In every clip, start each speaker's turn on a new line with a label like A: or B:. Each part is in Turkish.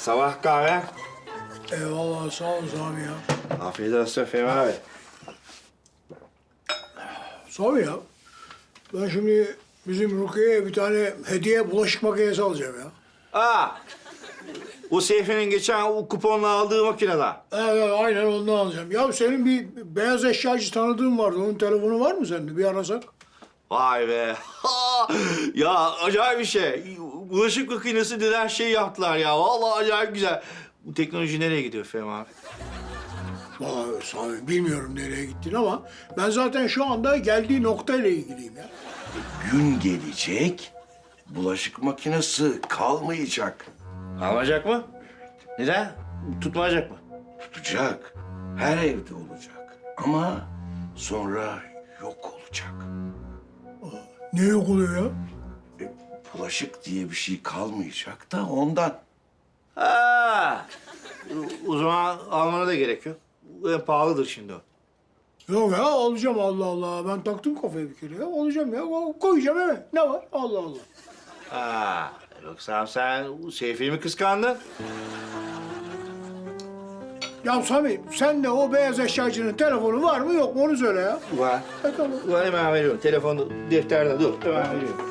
A: Sabah kahve.
B: Eyvallah sağ ol abi ya.
A: Afiyet olsun Fehmi abi.
B: Sami ya. Ben şimdi bizim Rukiye'ye bir tane hediye bulaşık makinesi alacağım ya.
A: Aa! O Seyfi'nin geçen o kuponla aldığı makinede.
B: Evet aynen ondan alacağım. Ya senin bir beyaz eşyacı tanıdığın vardı. Onun telefonu var mı sende? Bir arasak.
A: Vay be. Ya acayip bir şey. Bulaşık makinesi denen şey yaptılar ya. Vallahi acayip güzel. Bu teknoloji nereye gidiyor Fehmi abi?
B: Vallahi Sami bilmiyorum nereye gittin ama ben zaten şu anda geldiği noktayla ilgiliyim ya.
C: Gün gelecek, bulaşık makinesi kalmayacak.
A: Almayacak mı? Neden? Tutmayacak mı?
C: Tutacak, her evde olacak. Ama sonra yok olacak.
B: Ne yok oluyor ya?
C: Bulaşık diye bir şey kalmayacak da ondan.
A: Ha. O zaman almana da gerek yok. En pahalıdır şimdi o.
B: Yok ya alacağım Allah Allah. Ben taktım kafaya bir kere ya. Alacağım ya. Koyacağım eve. Ne var? Allah Allah.
A: Ha. Yoksa sen Seyfi'yi mi kıskandın?
B: Ya Sami sen de o beyaz eşyacının telefonu var mı yok mu onu söyle ya.
A: Var.
B: Tamam.
A: Var hemen veriyorum. Telefonu defterde dur. Hemen veriyorum.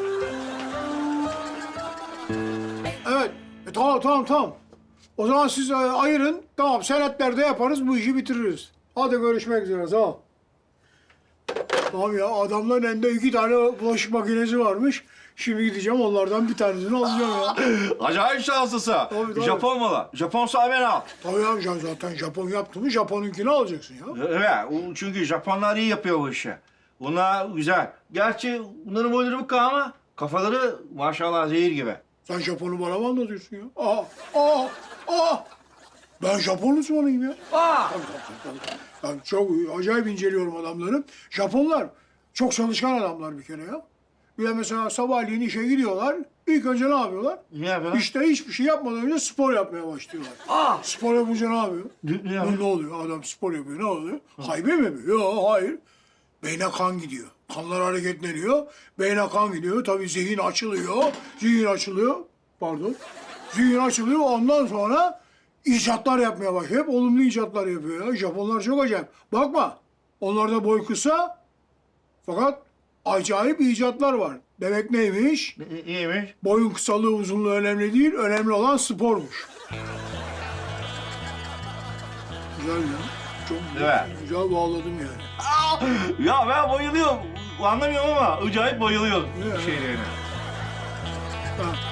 B: Evet. Tamam. O zaman siz ayırın. Tamam senetlerde yaparız bu işi bitiririz. Hadi görüşmek üzere sağ ol. Tamam ya adamların elinde 2 tane bulaşık makinesi varmış. Şimdi gideceğim onlardan bir tanesini alacağım ya.
A: Acayip şanslısın.
B: Tabii.
A: Japon malı. Japon sahibi al.
B: Tabii ya zaten Japon yaptı mı Japon'unkini alacaksın ya.
A: Evet. Çünkü Japonlar iyi yapıyor bu işi. Bunlar güzel. Gerçi bunların boyları bu ama kafaları maşallah zehir gibi.
B: Sen Japon'u bana mı anlatıyorsun ya? Aa! Ben Japon uzmanıyım ya.
A: Aa!
B: Tabii. Ben çok acayip inceliyorum adamları. Japonlar çok çalışkan adamlar bir kere ya. Bir de mesela sabahleyin işe gidiyorlar. İlk önce ne yapıyorlar?
A: Ne yapıyorlar?
B: İşte hiçbir şey yapmadan önce spor yapmaya başlıyorlar.
A: Aa!
B: Spor yapınca ne yapıyor?
A: Ne yapıyor?
B: Ne oluyor? Adam spor yapıyor. Ne oluyor? Haybe mi yapıyor? Yok, hayır. Beyne kan gidiyor. Kanlar hareketleniyor. Beyne kan gidiyor. Tabii zihin açılıyor. Zihin açılıyor. Ondan sonra icatlar yapmaya başlıyor. Hep olumlu icatlar yapıyor ya. Japonlar çok acayip. Bakma. Onlarda boy kısa. Fakat acayip icatlar var. Demek neymiş?
A: İyiymiş.
B: Boyun kısalığı, uzunluğu önemli değil. Önemli olan spormuş. Güzel ya. Çok
A: Evet.
B: güzel bağladım yani.
A: Ya ben bayılıyorum. Anlamıyorum ama acayip bayılıyorum
B: Ne?
A: şeylerine.
B: Ha,